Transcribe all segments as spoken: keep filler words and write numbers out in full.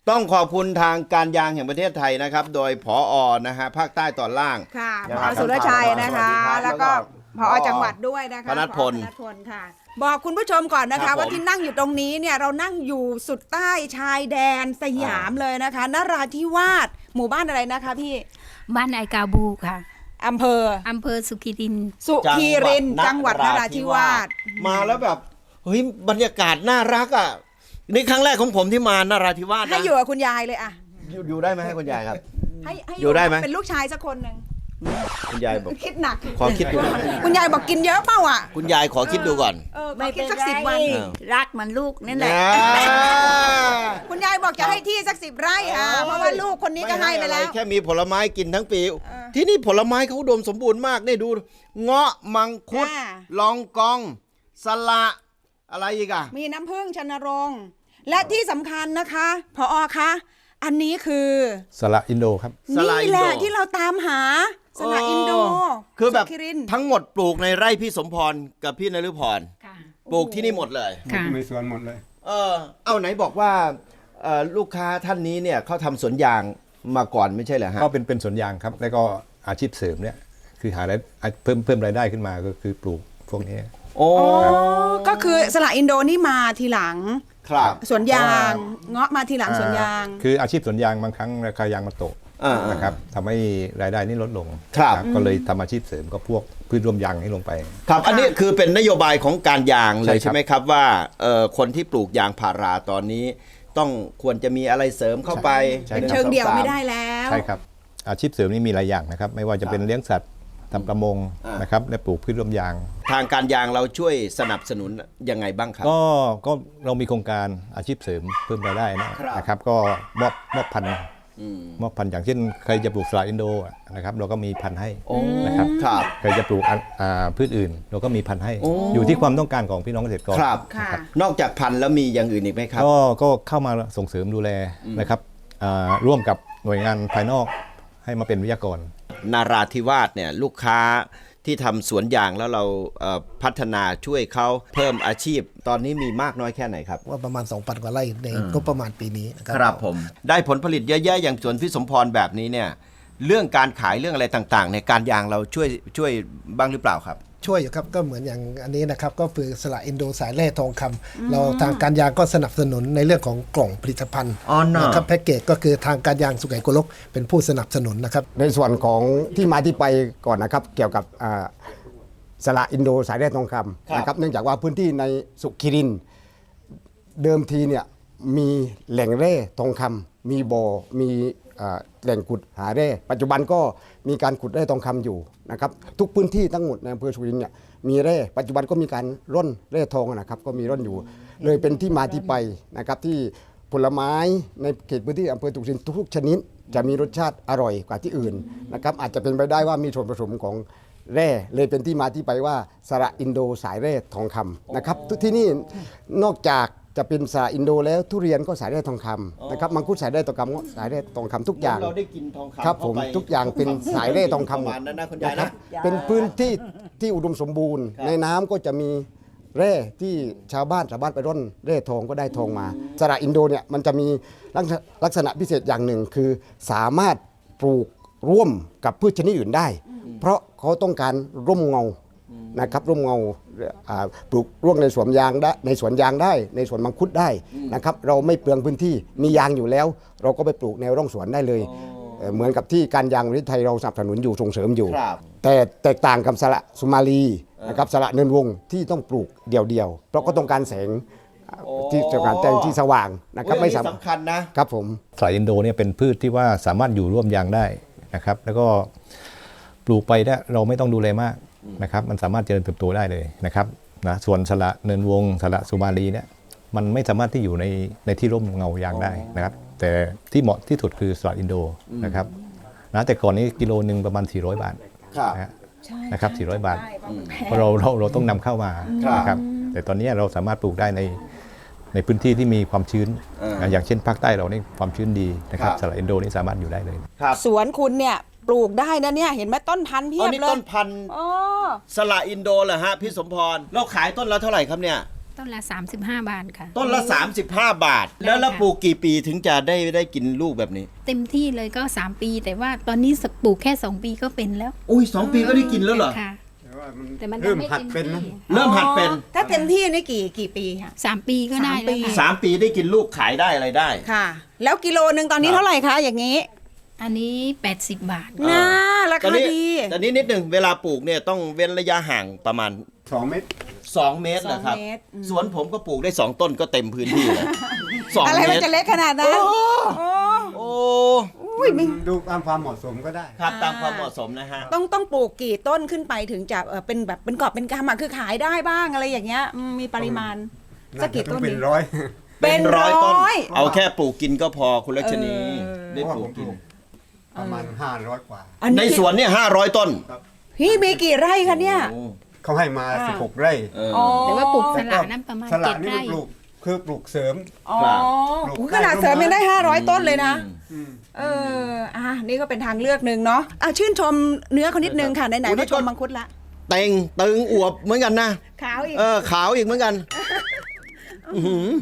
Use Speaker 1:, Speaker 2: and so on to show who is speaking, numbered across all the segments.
Speaker 1: ต้องขอบคุณทางการยางแห่งประเทศไทยนะครับโดยผอ.นะฮะภาคใต้ตอนล่าง
Speaker 2: ค่ะ
Speaker 1: นะ
Speaker 2: ผ
Speaker 1: ครั
Speaker 2: อบ สุรชัยนะคะ
Speaker 1: สวัสดีครับ
Speaker 2: แล้วก็
Speaker 1: แล้ว
Speaker 2: ผ
Speaker 1: ก็
Speaker 2: อจังหวัดด้วยนะคะ
Speaker 1: พนัสพล
Speaker 2: ผอพนัสพลค่ะ บอกคุณผู้ชมก่อนนะ
Speaker 1: ครั
Speaker 2: คะ
Speaker 1: บผม
Speaker 2: ว่าที่นั่งอยู่ตรงนี้เนี่ยเรานั่งอยู่สุดใต้ชายแดนสยามเลยนะคะนราธิวาสหมู่บ้านอะไรนะคะพี่
Speaker 3: บ้านไอกาบูค่ะ
Speaker 2: อำเภอ
Speaker 3: อำเภอสุขิรินทร์
Speaker 2: สุขีรินทร์จังหวัดนราธิวาส
Speaker 1: มาแล้วแบบเฮ้ยบรรยากาศน่ารักอ่ะนี่ครั้งแรกของผมที่มานราธิวาสนะ
Speaker 2: ให้อยู่กับคุณยายเลยอะ
Speaker 1: อยู่อยู่ได้ไหมให้คุณยายครับ
Speaker 2: ให้ให้
Speaker 1: อยู่ได้ไหม
Speaker 2: เป็นลูกชายสักคนหนึ่ง
Speaker 1: คุณยายบอก
Speaker 2: คิดหนัก
Speaker 1: ขอคิดดู
Speaker 2: คุณยายบอกกินเยอะเปล่าอ่ะ
Speaker 1: คุณยายขอคิดดูก่อน
Speaker 2: เออขอ
Speaker 3: ไม่
Speaker 2: คิ
Speaker 3: เป็
Speaker 2: ด
Speaker 3: น
Speaker 2: สัก
Speaker 3: ไร
Speaker 2: สิบวัน
Speaker 1: อ้าว
Speaker 3: รักเหมันลูกนั่นแหละ
Speaker 1: นะ
Speaker 2: คุณยายบอกจะให้ที่สักสิบไร่อ่ะเพราะว่าลูกคนนี้ก็ให้ไปแล้ว
Speaker 1: ม่อะไรแค่มีผลไม้กินทั้งปี
Speaker 2: อ
Speaker 1: ที่นี่ผลไม้เขาอุดมสมบูรณ์มากนี่ดูเงาะมังคุด
Speaker 2: อ่า
Speaker 1: ลองกอง สละอะไรอีกอะ
Speaker 2: มีน้ำผึ้งชนรงค์และที่สำคัญนะคะพอคะอันนี้คือ
Speaker 4: สละอินโดครับ
Speaker 1: สละ
Speaker 2: นี่
Speaker 1: อิน
Speaker 2: แห
Speaker 1: โด
Speaker 2: ละที่เราตามหาสละอินโด
Speaker 1: คือแบบ
Speaker 2: สุขิรินทร์
Speaker 1: ทั้งหมดปลูกในไร่พี่สมพรกับพี่นฤพร
Speaker 3: ค่ะ
Speaker 1: ปลูกที่นี่หมดเลย
Speaker 3: ค่ะ
Speaker 4: มีสวนหมดเลย
Speaker 1: เออเอาไหนบอกว่าเอ่อลูกค้าท่านนี้เนี่ยเขาทำสวนยางมาก่อนไม่ใช่เหรอฮะ
Speaker 4: ก็เป็นเป็นสวนยางครับ แล้วก็อาชีพเสริมเนี่ยคือหารายเพิ่มเพิ่มรายได้ขึ้นมาก็คือปลูกพวกนี้
Speaker 1: โอ้
Speaker 2: อ๋อก็คือสละอินโดนี่มาทีหลัง
Speaker 1: ครับ
Speaker 2: สวนยางเงาะมาทีหลังสวนยาง
Speaker 4: คืออาชีพสวนยางบางครั้งราคายางมันตก
Speaker 1: อ่า
Speaker 4: นะครับทำให้รายได้นี่ลดลง
Speaker 1: ครับ
Speaker 4: นะก็เลยทำอาชีพเสริมก็พวกพืชรวมยางให้ลงไป
Speaker 1: ครับอันนี้คือเป็นนโยบายของการยางเลย
Speaker 4: ใช่ครับ
Speaker 1: ใช่ไหมครับว่าเอ่อคนที่ปลูกยางพาราตอนนี้ ต้องควรจะมีอะไรเสริมเข้าไป
Speaker 4: ใช่
Speaker 2: เป็น
Speaker 4: ครับ
Speaker 2: เชิงเดี่ยวไม่ได้แล้ว
Speaker 4: ใช่ครับอาชีพเสริมนี่มีหลายอย่างนะครับไม่ว่าจะเป็นเลี้ยงสัตว์ทำประมงนะครับและปลูกพืชรวมยาง
Speaker 1: ทางการยางเราช่วยสนับสนุนยังไงบ้างครับ
Speaker 4: ก็ก็เรามีโครงการอาชีพเสริมเพิ่มรายได้นะครับ นะครับก็มอบมอบพันธุ์
Speaker 1: อืม
Speaker 4: มอบพันธุ์อย่างเช่นใครจะปลูกสละอินโดอ่ะนะครับเราก็มีพันธุ์ให้
Speaker 1: โอ้
Speaker 4: นะครับ
Speaker 1: ครับ
Speaker 4: ใครจะปลูกอ่ะอ่าพืชอื่น เราก็มีพันธุ์ให้
Speaker 1: โอ้
Speaker 4: อยู่ที่ความต้องการของพี่น้องเกษตรกร
Speaker 1: ครับ
Speaker 2: ค่ะ
Speaker 1: นอกจากพันธุ์แล้วมีอย่างอื่นอีกไหมครับ
Speaker 4: ก็ก็เข้ามาส่งเสริมดูแลนะครับอ่าร่วมกับหน่วยงานภายนอกให้มาเป็นวิทยากร
Speaker 1: นาราธิวาสเนี่ยลูกค้าที่ทำสวนยางแล้วเราเอ่อพัฒนาช่วยเขาเพิ่มอาชีพ ตอนนี้มีมากน้อยแค่ไหนครับ
Speaker 5: ว่าประมาณ สองพัน กว่าไร่ในงบประมาณปีนี้นะครั
Speaker 1: ครับผมได้ผลผลิตเยอะแยะอย่างสวนพี่สมพรแบบนี้เนี่ยเรื่องการขายเรื่องอะไรต่างๆ ในการยางเราช่วยช่วยบ้างหรือเปล่าครับ
Speaker 5: ช่วยอยู่ครับก็เหมือนอย่างอันนี้นะครับก็คือสละอินโดสายแร่ทองคำเราทางการยางก็สนับสนุนในเรื่องของกล่องผลิตภัณฑ์
Speaker 1: อ๋อเนอะ
Speaker 5: นะครับแพ็กเกจก็คือทางการยางสุไหงโกลกเป็นผู้สนับสนุนนะครับ
Speaker 6: ในส่วนของที่มาที่ไปก่อนนะครับ เกี่ยวกับอ่าสละอินโดสายแร่ทองคำนะครับเนื่องจากว่าพื้นที่ในสุขิรินทร์เดิมทีเนี่ยมีแหล่งแร่ทองคำมีบ่อมีอ่าแหล่งขุดหาแร่ปัจจุบันก็มีการขุดแร่ทองคำอยู่นะครับทุกพื้นที่ทั้งหมดในอำเภอสุขิรินทร์เนี่ยมีแร่ปัจจุบันก็มีการร่อนแร่ทองนะครับก็มีร่อนอยู่ เลยเป็นที่มาที่ไปนะครับที่ผลไม้ในเขตพื้นที่อำเภอสุขิรินทร์ทุกๆชนิด จะมีรสชาติอร่อยกว่าที่อื่นนะครับอาจจะเป็นไปได้ว่ามีส่วนผสมของแร่เลยเป็นที่มาที่ไปว่าสระอินโดสายแร่ทองคำนะครับทุกที่นี่นอกจากจะเป็นสระอินโดแล้วทุเรียนก็สายแร่ทองคำนะครับมังคุดสายแร่ทองคำก็สายแร่ทองคำทุกอย่าง
Speaker 1: เราได้กินทองคำ
Speaker 6: ครับผม
Speaker 1: เข้าไป
Speaker 6: ทุกอย่างเป็นสายแร่ทองคำ
Speaker 1: ประมาณนั้นนะคุณยาย
Speaker 6: ครั
Speaker 1: นะ
Speaker 6: บเป็นพื้นที่ที่อุดมสมบูรณ์ ในน้ำก็จะมีแร่ที่ชาวบ้านชาวบ้านไปร่อนแร่ทองก็ได้ทองมาสระอินโดเนี่ยมันจะมีลักษณะลักษณะพิเศษอย่างหนึ่งคือสามารถปลูกร่วมกับพืชชนิดอื่นได้ เพราะเขาต้องการร่มเงานะครับร่มเงาอ่าปลูกร่วมในสวนยางได้ในสวนยางได้ในสวนมังคุดได้นะครับเราไม่เปลืองพื้นที่มียางอยู่แล้ว เราก็ไปปลูกแนวร่องสวนได้เลยเอ่อเหมือนกับที่การยางประเทศไทยเราสนับสนุนอยู่ส่งเสริมอยู่
Speaker 1: ครับ
Speaker 6: แต่แตกต่างกับสละสุมาลีนะครับสละเนินวงที่ต้องปลูกเดี่ยวๆเพราะก็ต้องการแสงที่ต้องการแสงที่สว่างนะครับ
Speaker 1: โอ้ย
Speaker 6: ไม่
Speaker 1: อัน
Speaker 6: สา
Speaker 1: นี้
Speaker 6: มารถ
Speaker 1: สำคัญนะ
Speaker 6: ครับผม
Speaker 4: สละอินโดเนี่ยเป็นพืชที่ว่าสามารถอยู่ร่วมยางได้นะครับแล้วก็ปลูกไปเนี่ยเราไม่ต้องดูแลมากนะครับมันสามารถเจริญเติบโตได้เลยนะครับนะส่วนสละเนินวงสละสุมาลีเนี่ยมันไม่สามารถที่อยู่ในในที่ร่มเงายางได้นะครับแต่ที่เหมาะที่สุดคือสละอินโดนะครับนะแต่ก่อนนี้กิโลหนึ่งประมาณสี่ร้อยบาท
Speaker 1: ครับ
Speaker 4: นะฮะนะครับสี่ร้อยบาทเพราะเราเราเราต้องนำเข้ามา
Speaker 1: ครับ
Speaker 4: นะครับแต่ตอนนี้เราสามารถปลูกได้ในในพื้นที่ที่มีความชื้น
Speaker 1: เออ
Speaker 4: นะอย่างเช่นภาคใต้เรานี่ความชื้นดีนะครับ
Speaker 1: ครับ
Speaker 4: สละอินโดนี่สามารถอยู่ได้เลย
Speaker 1: ครับ
Speaker 2: สวนคุณเนี่ยปลูกได้นะเนี่ยเห็นไหมต้นพันธุ์เพี
Speaker 1: อ๋
Speaker 2: ย
Speaker 1: อบ นี่
Speaker 2: เล
Speaker 1: ต้
Speaker 2: ย
Speaker 1: นพันธุ์
Speaker 2: อ๋อ
Speaker 1: สละอินโดเหรอฮะพี่สมพรเราขายต้นละเท่าไหร่ครับเนี่ย
Speaker 3: ต้นละสามสิบห้าบาทค่ะ
Speaker 1: ต้นละ สามสิบห้า บาท แล้วแล้ว
Speaker 3: ค่ะ
Speaker 1: ปลูกกี่ปีถึงจะได้ได้กินลูกแบบนี้
Speaker 3: เต็มที่เลยก็สามปี แต่ว่าตอนนี้ปลูกแค่สองปีก็เป็นแล้ว
Speaker 1: อุ้ยสองปีก็ได้กินแล้วเหรอ
Speaker 3: ค่ะ แต่มัน
Speaker 6: เริ่ม
Speaker 3: ยัง
Speaker 6: หัด
Speaker 3: ไต็
Speaker 6: เป็นนะ
Speaker 3: ที่
Speaker 1: เริ่มหัดเป็น
Speaker 2: อ๋อถ้าเต็มที่นี่กี่กี่ปีค่ะ
Speaker 3: สามปีก็ได้แล้วค่ะ
Speaker 1: สามปีได้กินลูกขายได้อะไรได้
Speaker 2: ค่ะ แล้วกิโลหนึ่งตอนนี้เท่าไหร่คะอย่างนี้
Speaker 3: อันนี้แปดสิบบาท
Speaker 2: น่ารา
Speaker 1: ตอน
Speaker 2: คา
Speaker 1: นี้
Speaker 2: ดี
Speaker 1: ตอนนี้นิดหนึ่งเวลาปลูกเนี่ยต้องเว้นระยะห่างประมาณ
Speaker 6: สองเม็ด
Speaker 1: สองเมตรเหรอครับ
Speaker 2: สองเมตรอืม
Speaker 1: สวนผมก็ปลูกได้สองต้นก็เต็มพื้นที่แล้วสอง
Speaker 2: อะไร
Speaker 1: เม
Speaker 2: มัน
Speaker 1: ตร
Speaker 2: จะเล็กขนาดนั้น
Speaker 1: โอ้
Speaker 2: โอ้
Speaker 1: โอ้
Speaker 2: อุ้ยมี
Speaker 6: ดูตามความเหมาะสมก็ได้
Speaker 1: ครับตามความเหมาะสมนะฮะ
Speaker 2: ต้องต้องปลูกกี่ต้นขึ้นไปถึงจะเออเป็นแบบเป็นกอบเป็นกำอะคือขายได้บ้างอะไรอย่างเงี้ยอืมมีปริมาณสักกี่ต้น
Speaker 6: เป็น
Speaker 2: ดี
Speaker 6: ร้อย
Speaker 2: เป็นร้อย
Speaker 1: ต้น เอาแค่ปลูกกินก็พอคุณรัชนี
Speaker 2: เออ
Speaker 1: ได้ปลูกกิน
Speaker 6: ประมาณห้าร้อยกว่า
Speaker 2: อัน
Speaker 1: ใน
Speaker 2: นี้
Speaker 1: สวนเนี่ยห้าร้อยต้น
Speaker 2: พี่มีกี่ไร่คะเนี่ย
Speaker 1: โอ้
Speaker 6: เขาให้มา
Speaker 2: อ่า
Speaker 6: สิบหกไร่
Speaker 1: เออ
Speaker 2: อ๋อ
Speaker 3: แต่ว่าปลูกสละนั้นประมาณ
Speaker 6: สละ
Speaker 3: เจ็ด
Speaker 6: นี่
Speaker 3: ไร่
Speaker 6: ปลูกคือปลูกเสริม
Speaker 2: อ๋อ
Speaker 1: ครับ
Speaker 2: โอ้ขนาดเสริมยังได้ห้าร้อยต้นเลยนะ
Speaker 1: อืม
Speaker 2: เอออ่ะนี่ก็เป็นทางเลือกหนึ่งเนาะอ่ะชื่นชมเนื้อเขานิดนึงค่ะไหน
Speaker 1: โอ้
Speaker 2: ๆ
Speaker 1: นี่
Speaker 2: ก็ชม
Speaker 1: ก็
Speaker 2: มังคุดละ
Speaker 1: เต็งตึงอวบเหมือนกันนะ
Speaker 2: ขาวอีก
Speaker 1: เออขาวอีกเหมือนกันอื้อหือก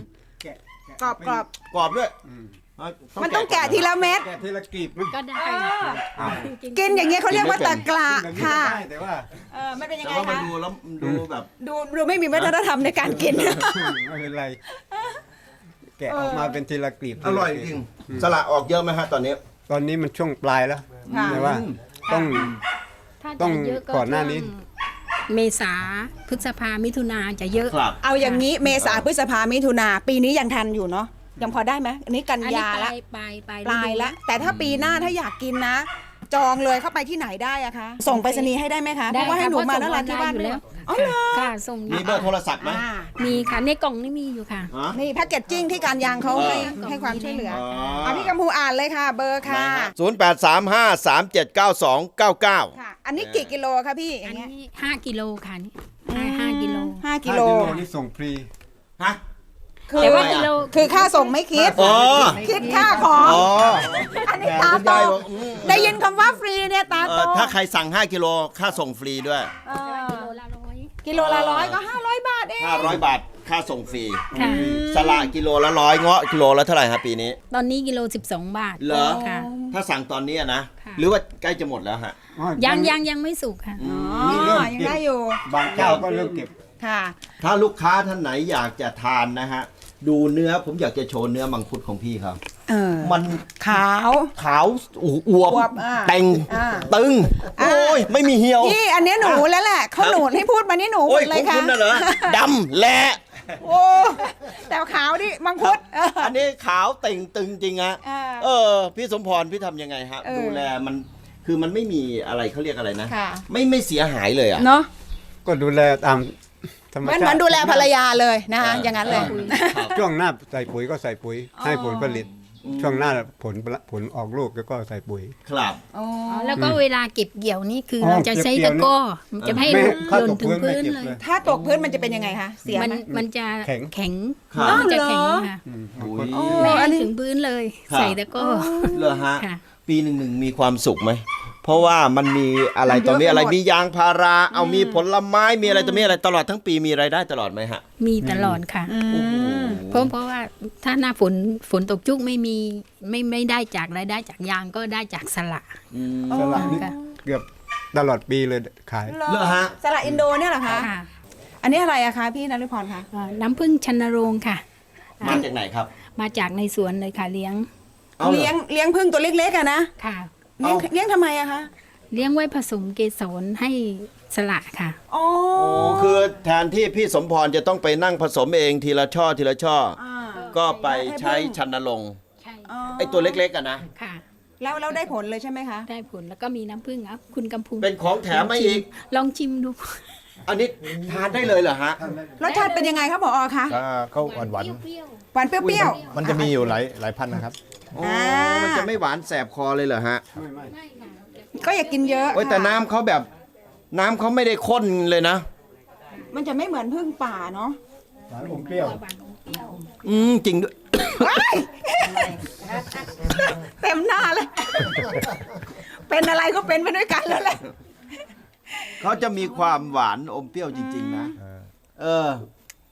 Speaker 2: รอบกรอบ
Speaker 1: กรอบด้วย
Speaker 2: มันต้องแกะทีละเม็ด
Speaker 6: แกะทีละกลีบนะ
Speaker 3: ก็ได้
Speaker 2: กินอย่างเงี้ยเขาเรียกว่าตะกละ
Speaker 6: แบบนี้
Speaker 2: ค่ะ
Speaker 6: ก็ได้แต่ว่า
Speaker 2: เออมันเป็นยัง
Speaker 1: แต่
Speaker 2: ไง
Speaker 1: ว่ามัน
Speaker 2: คะ
Speaker 1: ดูแล้วดูแบบ
Speaker 2: ดูดูไม่มีวัฒนธรรมในการกิน
Speaker 6: ไม่เป็นไร แกะออกมาเป็นทีละกลีบ
Speaker 1: อร่อยจริงสละออกเยอะไหมฮะตอนนี้
Speaker 6: ตอนนี้มันช่วงปลายแล้ว
Speaker 2: ค่ะ
Speaker 6: แต่ว่าต้อง
Speaker 3: ถ้า
Speaker 6: ต้
Speaker 3: จะ
Speaker 6: อง
Speaker 3: เยอะก็
Speaker 6: ก่อนหน้านี้
Speaker 3: ช่วงเมษาพฤษภามิถุนาจะเยอะ
Speaker 1: ครับ
Speaker 2: เอาอย่างนี้เมษาพฤษภามิถุนาปีนี้ยังทันอยู่เนาะยังพอได้ไหมอันนี้กัน
Speaker 3: อันนี้
Speaker 2: ยา
Speaker 3: ป
Speaker 2: ละ
Speaker 3: ลายปลายปลาย
Speaker 2: ปลาย
Speaker 3: ฤดู
Speaker 2: ละแต่ถ้าปีหน้าถ้าอยากกินนะ จองเลยเข้าไปที่ไหนได้อะคะส่งไปรษณีย์ให้ได้ไหมคะเพ
Speaker 3: ได้
Speaker 2: ราะว่าให้
Speaker 3: ค่ะ
Speaker 2: หนูมา
Speaker 3: เพ
Speaker 2: แล้ว
Speaker 3: ระ
Speaker 2: ร้านที่บ้าน
Speaker 3: ส่ง
Speaker 2: ด้
Speaker 3: อ
Speaker 2: วย
Speaker 3: แล้ว
Speaker 2: อ๋อเหรอ
Speaker 3: ค่ะส่งอ
Speaker 1: มี
Speaker 3: ยู่
Speaker 1: เบอร์โทรศัพท์ไหม
Speaker 2: อ่า
Speaker 3: มีค่ะในกล่องนี่มีอยู่ค่ะ
Speaker 1: ฮะ
Speaker 2: นี่แพ็กเกจจิ้งที่การยางเขาให้
Speaker 3: เออ
Speaker 2: ให้ความช่วยเหลือ
Speaker 1: อ๋อ
Speaker 2: เอาพี่กัมพูอ่านเลยค่ะ เบอร์ค่ะ
Speaker 1: ศูนย์แปดสามห้าสามเจ็ดเก้าสองเก้าเก้า
Speaker 2: ค่ะ อันนี้กี่กิโลคะพี่อ
Speaker 3: อั
Speaker 2: ย่านงเงี้ย
Speaker 3: นี้ห้ากิโลค่ะนี่ห้าห้ากิโล
Speaker 2: ห้ากิ
Speaker 6: ห้า
Speaker 2: โล
Speaker 6: กิโลนี่ส่งฟรี
Speaker 1: ฮะ
Speaker 2: คือ
Speaker 3: แต่ว่า
Speaker 1: ทำไมอะ
Speaker 3: กิโล
Speaker 2: คือค่าส่งไม่คิด
Speaker 1: อ๋อ
Speaker 2: คิดค่าของ
Speaker 1: อ๋อ
Speaker 2: อันนี้
Speaker 1: แหม
Speaker 2: ตา
Speaker 1: คุณ
Speaker 2: โต
Speaker 1: ยายบอกอืม
Speaker 2: ได้ยินคำว่าฟรีเนี่ยตา
Speaker 1: เอ
Speaker 2: โต
Speaker 1: อถ้าใครสั่งห้ากิโลค่าส่งฟรีด้วย
Speaker 2: เออ
Speaker 3: กิโลละร้อย
Speaker 2: กิโลละร้อยก็ห้าร้อยบาทเอง
Speaker 1: ห้าร้อยบาทค่าส่งฟรี
Speaker 3: ค่ะ
Speaker 1: สละกิโลละร้อยเงาะกิโลละเท่าไหร่ครับปีนี้
Speaker 3: ตอนนี้กิโลสิบสองบาท
Speaker 1: เหรอ
Speaker 3: ค่ะ
Speaker 1: ถ้าสั่งตอนนี้อะนะ
Speaker 3: ค่ะ
Speaker 1: หรือว่าใกล้จะหมดแล้วฮะ
Speaker 3: ยังยังยังไม่สุกค่ะ
Speaker 2: อ๋อ
Speaker 6: นี่เริ่ม
Speaker 2: ยัง
Speaker 6: เก็บ
Speaker 2: ได้อยู่
Speaker 6: บางเจ้าก็เริ่มเก็บ
Speaker 2: ค่ะ
Speaker 1: ถ้าลูกค้าท่านไหนอยากจะทานนะฮะ ดูเนื้อผมอยากจะโชว์เนื้อมังคุดของพี่เขา
Speaker 2: เออ
Speaker 1: มัน
Speaker 2: ขาว
Speaker 1: ขาวอวบ
Speaker 2: อวบอ่า
Speaker 1: เต่ง
Speaker 2: อ่า
Speaker 1: ตึง โอ้ย ไม่มีเหี่ยว
Speaker 2: พี่อันเนี้ยหนูแล้วแหละเขาหนูให้พูดมานี่หนูหม
Speaker 1: โอ้ย
Speaker 2: ดเล
Speaker 1: ขอย ง
Speaker 2: ค่ะ
Speaker 1: คุณน่ะเหรอดำแหละ
Speaker 2: โอ้แต่ขาวดิมังคุดเออ
Speaker 1: อันนี้ขาวเต่งตึงจริงฮะ
Speaker 2: อ่า
Speaker 1: เออ พี่สมพรพี่ทำยังไงฮะ
Speaker 2: เออ
Speaker 1: ดูแลมันคือมันไม่มีอะไรเขาเรียกอะไรนะ
Speaker 2: ค่ะ
Speaker 1: ไม่ไม่เสียหายเลยอ่ะ
Speaker 2: เนาะ
Speaker 6: ก็ดูแลตามธรรม
Speaker 2: เหมือน
Speaker 6: ชาติ
Speaker 2: เหมือนดูแลภรรยาเลยนะคะ
Speaker 1: เออ
Speaker 2: อ
Speaker 1: อย่าง
Speaker 2: นั้นเลย
Speaker 6: ช่วงหน้าใส่ปุ๋ยก็ใส่ปุ๋ย ให้ผลผลิต ช่วงหน้าผลผลออกลูกแล้วก็ใส่ปุ๋ย
Speaker 1: ครับ
Speaker 2: อ๋อ
Speaker 3: แล้วก็เวลาเก็บเกี่ยวนี่คืออ
Speaker 6: อ
Speaker 3: เราจะใช้
Speaker 6: เก็บเกี่
Speaker 3: ตะ
Speaker 6: ยวนี่
Speaker 3: กร้อมันจะไม่
Speaker 6: ไม่
Speaker 3: หล่น
Speaker 6: ถ้าตก
Speaker 3: ถึง
Speaker 6: พื้
Speaker 3: พื้
Speaker 6: น
Speaker 3: น
Speaker 6: ไม่เก็บ
Speaker 3: เลย
Speaker 6: เลย
Speaker 2: ถ้าตกพื้นมันจะเป็นยังไงคะเสีย
Speaker 3: มัน
Speaker 2: ไหม
Speaker 3: มันจะ
Speaker 6: แข็ง
Speaker 3: แข็ง
Speaker 1: ครับ
Speaker 3: มันจะ
Speaker 2: อ๋อเหรอ
Speaker 3: แข็งค่ะ
Speaker 6: อืม
Speaker 1: อุ๊ย
Speaker 2: อ๋อ
Speaker 3: ไม่
Speaker 2: อั
Speaker 3: ให้
Speaker 2: นนี้
Speaker 3: ถึงพื้นเลย
Speaker 1: ครับ
Speaker 3: ใส่ตะกร้อ
Speaker 1: เหรอฮะ
Speaker 3: ค่ะ
Speaker 1: ปีหนึ่งหนึ่งมีความสุขไหม เพราะว่ามันมีอะไร
Speaker 2: มันเยอะ
Speaker 1: ตรงนี้อะไร
Speaker 2: ไปหมด
Speaker 1: มียางพารา เอามีผลไม้มีอะไรตรงนี้อะไรตลอดทั้งปีมีรายได้ตลอดไหมฮะ
Speaker 3: มีตลอดค่ะ เพราะเพราะว่าถ้าหน้าฝนฝนตกชุกไม่มีไม่ไม่ได้จากรายได้จากยางก็ได้จากสละ
Speaker 6: สลัดนี่
Speaker 3: ค่ะ
Speaker 6: เกือบตลอดปีเลยขาย
Speaker 2: เหรอ
Speaker 1: เหรอฮะ
Speaker 2: สละอินโดเนี่ยเหรอคะ
Speaker 3: ค่ะ
Speaker 2: อันนี้อะไรอะคะพี่นฤพรคะ
Speaker 3: อ่าน้ำผึ้งชันโรงค่ะ
Speaker 1: มาจากไหนครับ
Speaker 3: มาจากในสวนเลยค่ะเลี้ยง
Speaker 1: เอาเหรอ
Speaker 2: เลี้ยงเลี้ยงพึ่งตัวเล็กๆอะนะ
Speaker 3: ค่ะ
Speaker 2: เลี้ยง
Speaker 1: เอา
Speaker 2: เลี้ยงทำไมอะคะ
Speaker 3: เลี้ยงไว้ผสมเกสรให้สละค่ะ
Speaker 2: อ๋อ
Speaker 1: โอ้คือแทนที่พี่สมพรจะต้องไปนั่งผสมเองทีละช่อทีละช่อ
Speaker 2: อ่า
Speaker 1: ก็ไปใช้ชันนรงค์
Speaker 3: ใช่
Speaker 2: อ๋อ
Speaker 1: ไอตัวเล็กๆอะนะ
Speaker 3: ค่ะ
Speaker 2: แล้วแล้วได้ผลเลยใช่ไหมคะ
Speaker 3: ได้ผลแล้วก็มีน้ำผึ้งอ่ะคุณกำพู
Speaker 1: เป็นของแถมมาอีก
Speaker 3: ลองชิมดู
Speaker 1: อันนี้ทานได้เลยเหรอฮะ
Speaker 2: รสชาติเป็นยังไงครับผอคะ
Speaker 4: ก็เขาหวานหวาน
Speaker 2: หวานเปรี้ยว
Speaker 4: ๆมันจะมีอยู่หลายหลายพันธุ์นะครับ
Speaker 1: อ๋อ มันจะไม่หวานแสบคอเลยเหรอฮะ
Speaker 2: ๆ ก็อย่ากินเยอะ
Speaker 1: โอ้ยแต่
Speaker 2: ค่ะ
Speaker 1: น้ำเขาแบบน้ำเขาไม่ได้ข้นเลยนะ
Speaker 2: มันจะไม่เหมือนพึ่งป่าเนาะ
Speaker 6: หวานอมเปรี้ยว
Speaker 1: อืมจริงด้วย
Speaker 2: เต็มหน้าเลย เป็นอะไรก็เป็นไปด้วยกันแล้วแหละ
Speaker 1: เขาจะมีความหวานอมเปรี้ยวจริง ๆ นะ เออ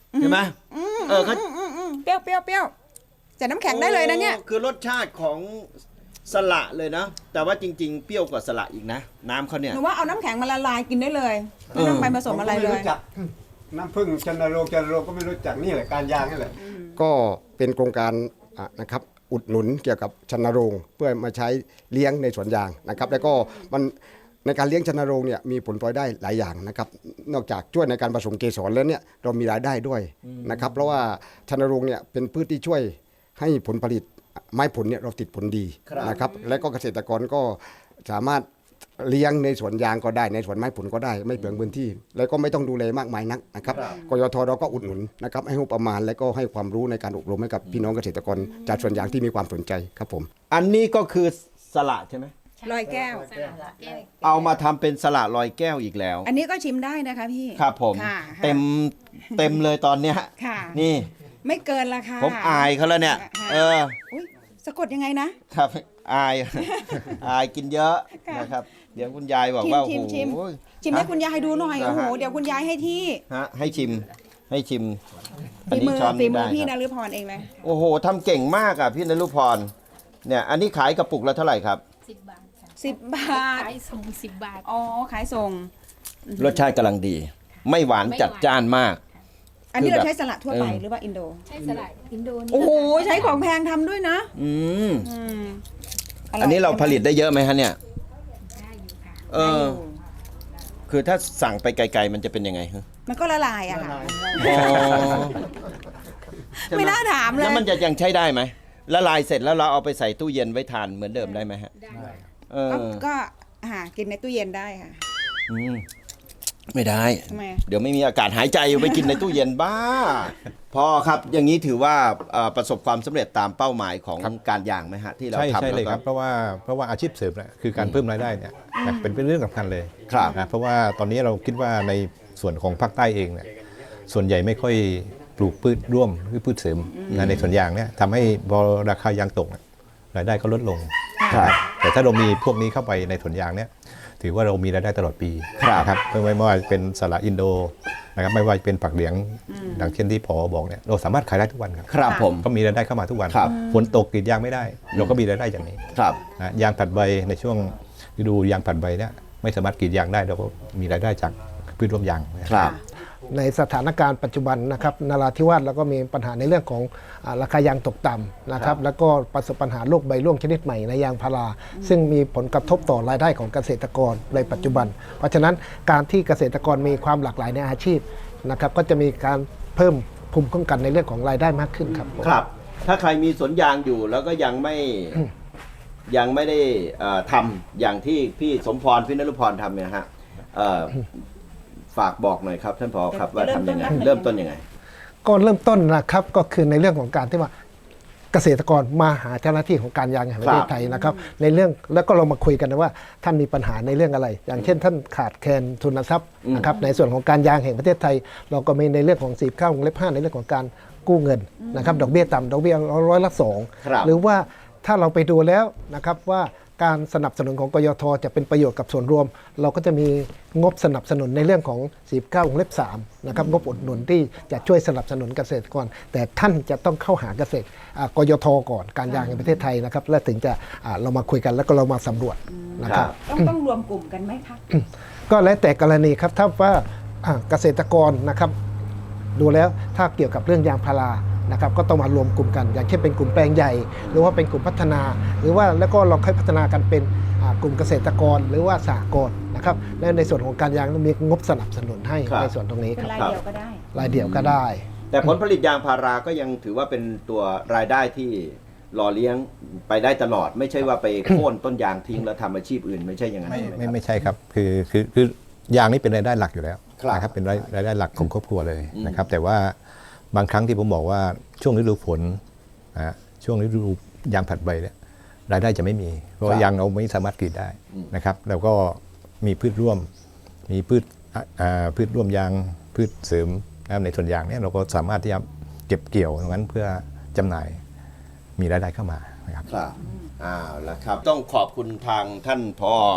Speaker 1: ใช่ไหมเออเขา
Speaker 2: อืมอืมเปรี้ยวเปรี้ยวเปรี้ยวจะน้ำแข็งได้เลยนะเนี่ย
Speaker 1: โอ้คือรสชาติของสละเลยนะ แต่ว่าจริง ๆ เปรี้ยวกว่าสละอีกนะ น้ำเขาเนี่ย
Speaker 2: หนูว่าเอาน้ำแข็งมาละลายกินได้เลยไม่ต้องไปผสมอะไรเลย
Speaker 6: น้ำผึ้งจันทโรงจันทโรงก็ไม่รู้จักนี่แหละการยางนี่แหละก็เป็นโครงการอ่ะนะครับอุดหนุนเกี่ยวกับชันโรงเพื่อมาใช้เลี้ยงในสวนยางนะครับ แล้วก็มันในการเลี้ยงชันโรงเนี่ยมีผลพลอยได้หลายอย่างนะครับ นอกจากช่วยในการผสมเกสรแล้วเนี่ยเรามีรายได้ด้วยนะครับ เพราะว่าชันโรงเนี่ยเป็นพืชที่ช่วยให้ผลผลิตไม้ผลเนี่ยเราติดผลดีนะครับ และก็เกษตรกรก็สามารถเลี้ยงในสวนยางก็ได้ในสวนไม้ผลก็ได้ไม่เปลืองพื้นที่ แล้วก็ไม่ต้องดูแลมากมายนักนะครับกยทเราก็อุดหนุนนะครับให้งบประมาณและก็ให้ความรู้ในการอบรมให้กับพี่น้องเกษตรกรจากสวนยางที่มีความสนใจครับผม
Speaker 1: อันนี้ก็คือสละใช่ไหม
Speaker 2: ลอยแก้ว
Speaker 1: เอามาทำเป็นสละลอยแก้วอีกแล้ว
Speaker 2: อันนี้ก็ชิมได้นะคะพี่
Speaker 1: ครับผม
Speaker 2: ค่ะ
Speaker 1: เต็มเต็มเลยตอนเนี้ย
Speaker 2: ค่ะ
Speaker 1: นี่
Speaker 2: ไม่เกินละค่ะ
Speaker 1: ผมอายเขาแล้วเนี่ย
Speaker 2: ค่ะ
Speaker 1: เออ
Speaker 2: อุ๊ยสะกดยังไงนะ
Speaker 1: ครับอาย อายกินเยอะ
Speaker 2: ค่ะ
Speaker 1: นะครับ เดี๋ยวคุณยายบอกว่าโอ้
Speaker 2: ชิม
Speaker 1: โห
Speaker 2: ชิมชิมให้คุณยายดูหน่อย
Speaker 1: เหรอ
Speaker 2: โอ้โห
Speaker 1: ฮะ
Speaker 2: เดี๋ยวคุณยายให้ที่
Speaker 1: ฮะให้ชิมให้ชิม
Speaker 2: ฝีมือ
Speaker 1: ช้อน
Speaker 2: ฝี
Speaker 1: นี้
Speaker 2: มื
Speaker 1: ได้
Speaker 2: อพี่
Speaker 1: ครั
Speaker 2: น
Speaker 1: บ
Speaker 2: ฤพรเองเลย
Speaker 1: โอ้โหทำเก่งมากอ่ะพี่นฤพรเนี่ยอันนี้ขายกระปุกละเท่าไหร่ครับ
Speaker 3: สิบบาทค่ะ
Speaker 2: สิบบาท
Speaker 3: ขายส่งสิบบาท
Speaker 2: อ๋อ ขายส่ง
Speaker 1: รสชาติกำลังดี ไม่หวาน
Speaker 3: ไม่หวาน
Speaker 1: จัดจ้านมาก
Speaker 2: อันนี้
Speaker 1: คือ
Speaker 2: เรา
Speaker 1: แบบ
Speaker 2: ใช้สละทั่วไป
Speaker 1: เออ
Speaker 2: หรือว่าอินโด
Speaker 3: ใช่สลัดอินโดนี
Speaker 2: โอ้โห ใช้ของแพงทำด้วยนะ
Speaker 1: อืม
Speaker 2: อืมย
Speaker 1: อันนี้เราผลิตได้เยอะไหมฮะเนี่ย
Speaker 3: ได้อยู่ค่ะ
Speaker 1: เออ คือถ้าสั่งไปไกลๆมันจะเป็นยังไงฮะ
Speaker 2: มันก็ละลายอะค่ะ
Speaker 1: อ๋อ
Speaker 2: ไม่น่าถามเลย
Speaker 1: แล้วมันจะยังใช้ได้ไหมละลายเสร็จแล้วเราเอาไปใส่ตู้เย็นไว้ทานเหมือนเดิมได้ไหมฮะ
Speaker 3: ได้ค่ะ
Speaker 1: เออ
Speaker 2: ก็ก็หากินในตู้เย็นได้ค่ะ
Speaker 1: อืมไม่ได้
Speaker 2: ทำไม
Speaker 1: เดี๋ยวไม่มีอากาศหายใจไปกินในตู้เย็นบ้า พอครับอย่างนี้ถือว่าเอ่อประสบความสำเร็จตามเป้าหมายของการยางไหมฮะที่เรา
Speaker 4: ใช่
Speaker 1: ทำ
Speaker 4: ใช่เลย
Speaker 1: แล้วก็
Speaker 4: ครับเพราะว่าเพราะว่าอาชีพเสริมเนี่ยคือการเพิ่มรายได้เนี่ยนะเป็นเป็นเรื่องสำคัญเลย
Speaker 1: ครับ
Speaker 4: นะเพราะว่าตอนนี้เราคิดว่าในส่วนของภาคใต้เองเนี่ยส่วนใหญ่ไม่ค่อยปลูกพืชร่วมหรือพืชเสริมนะในสวนยางเนี่ยทำให้พอราคายางตกเนี่ยรายได้ก็ลดลง
Speaker 1: ครับ
Speaker 4: แต่ถ้าเรามีพวกนี้เข้าไปในสวนยางเนี่ยถือว่าเรามีรายได้ตลอดปี
Speaker 1: ครับ
Speaker 4: นะครับไม่ว่าเป็นสละอินโดนะครับไม่ว่าเป็นผักเหลียงดังเช่นที่พอบอกเนี่ยเราสามารถขายได้ทุกวันครับ
Speaker 1: ครับผม
Speaker 4: ก็มีรายได้เข้ามาทุกวัน
Speaker 1: ครับ
Speaker 4: ฝนตกกรีดยางไม่ได้ เราก็มีรายได้อย่างนี้
Speaker 1: ครับ
Speaker 4: นะยางผัดใบในช่วงฤดูยางผัดใบเนี่ยไม่สามารถกรีดยางได้เราก็มีรายได้จากพืชร่วมยางนะครับ
Speaker 5: ในสถานการณ์ปัจจุบันนะครับนราธิวาสเราก็มีปัญหาในเรื่องของอาราคายางตกต่ำนะครับแล้วก็ประสบปัญหาโรคใบร่วงชนิดใหม่ในยางพาราซึ่งมีผลกระทบต่อรายได้ของเกษตรกรในปัจจุบัน เพราะฉะนั้นการที่เกษตรกรมีความหลากหลายในอาชีพนะครับก็จะมีการเพิ่มภูมิคุ้มกันในเรื่องของรายได้มากขึ้นครับผม
Speaker 1: ครับ ถ้าใครมีสวนยางอยู่แล้วก็ยังไม่ยังไม่ได้เอ่อทำอย่างที่พี่สมพรพี่นฤพรทำเนี่ยฮะเอ่อฝากบอกหน่อยครับท่านผอครับว่าทำยังไงเริ่มต้นยังไง
Speaker 5: ก็เริ่มต้นนะครับก็คือในเรื่องของการที่ว่าเกษตรกรมาหาเจ้าหน้าที่ของการยางแห่งประเทศไทยนะครับในเรื่องแล้วก็เรามาคุยกันนะว่าท่านมีปัญหาในเรื่องอะไร อย่างเช่น ท่านขาดแคลนทุนทรัพย์นะครับในส่วนของการยางแห่งประเทศไทย เราก็มีในเรื่องของสี่ข้าวงเล็บห้าในเรื่องของการกู้เงินนะครับดอกเบี้ยต่ำดอกเบี้ยร้อยละสอง
Speaker 1: ครับ
Speaker 5: หรือว่าถ้าเราไปดูแล้วนะครับว่าการสนับสนุนของกยทจะเป็นประโยชน์กับส่วนรวม เราก็จะมีงบสนับสนุนในเรื่องของสี่เก้าวงเล็บสามนะครับงบอุดหนุนที่จะช่วยสนับสนุนเกษตรกร แต่ท่านจะต้องเข้าหาเกษตรอ่ากยทก่อนการยางในประเทศไทยนะครับแล้วถึงจะอ่าเรามาคุยกันแล้วก็เรามาสำรวจนะครับ
Speaker 2: ต้องต้องรวมกลุ่มกันไหมคะ
Speaker 5: ก็แล้วแต่กรณีครับถ้าว่าอ่าเกษตรกรนะครับดูแล้วถ้าเกี่ยวกับเรื่องยางพารานะครับก็ต้องมารวมกลุ่มกัน อย่างเช่นเป็นกลุ่มแปลงใหญ่ หรือว่าเป็นกลุ่มพัฒนา หรือว่าแล้วก็เราค่อยพัฒนากันเป็นอ่ากลุ่มเกษตรกรหรือว่าสหกรณ์นะครับและในส่วนของการยางมีงบสนับสนุนให้
Speaker 1: ครับ
Speaker 5: ในส่วนตรงนี้
Speaker 2: เป็
Speaker 5: คน รับ
Speaker 2: รายเดียวก็ได้
Speaker 5: รายเดียวก็ได้
Speaker 1: แต่ผลผลิตยางพาราก็ยังถือว่าเป็นตัวรายได้ที่หล่อเลี้ยงไปได้ตลอด ไม่ใช่ว่าไปโค่นต้นยางทิ้งแล้วทำอาชีพอื่นไม่ใช่อย่างนั้น
Speaker 4: ไม่
Speaker 1: ใช่ไหม
Speaker 4: ไม่
Speaker 1: ครับ
Speaker 4: ไม่ใช่ครับคือคือคือยางนี่เป็นรายได้หลักอยู่แล้ว
Speaker 1: ครับ
Speaker 4: นะครับเป็นรายรายได้หลักของครอบครัวเลย
Speaker 1: อืม
Speaker 4: นะครับแต่ว่าบางครั้งที่ผมบอกว่าช่วงฤดูฝนนะฮะช่วงฤดูยางผัดใบเนี่ยรายได้จะไม่มี เพราะว่ายางเราไม่สามารถกรีดได้นะครับแล้วก็มีพืชร่วม มีพืชอ่าอ่าพืชร่วมยางพืชเสริมนะครับในส่วนยางเนี่ยเราก็สามารถที่จะเก็บเกี่ยวตรงนั้นเพื่อจำหน่ายมีรายได้เข้ามานะครับ
Speaker 1: ครับอ้าวแล้วครับ ต้องขอบคุณทางท่านพอ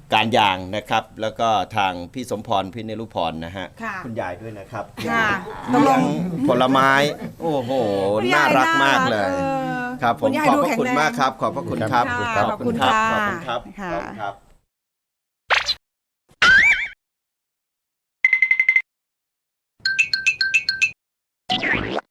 Speaker 1: การยางนะครับ แล้วก็ทางพี่สมพรพิเนรุพรนะฮะ
Speaker 2: ค่ะ
Speaker 1: คุณยายด้วยนะครับ
Speaker 2: ค่ะตกล
Speaker 1: เลี้ย
Speaker 2: ง
Speaker 1: งผลไม้ โอ้โห น่ารักมากเลย
Speaker 2: ออ
Speaker 1: ครับผม
Speaker 2: ณยาย
Speaker 1: ขอบ
Speaker 2: ดู
Speaker 1: พระ
Speaker 2: แข็ง
Speaker 1: คุณ
Speaker 2: แรง
Speaker 1: มากครับ ขอบพระคุณครับ
Speaker 2: ค่ะขอบคุณค่ะ
Speaker 1: ขอบคุณครับ
Speaker 2: ค่ะ
Speaker 1: ขอบคุณครับ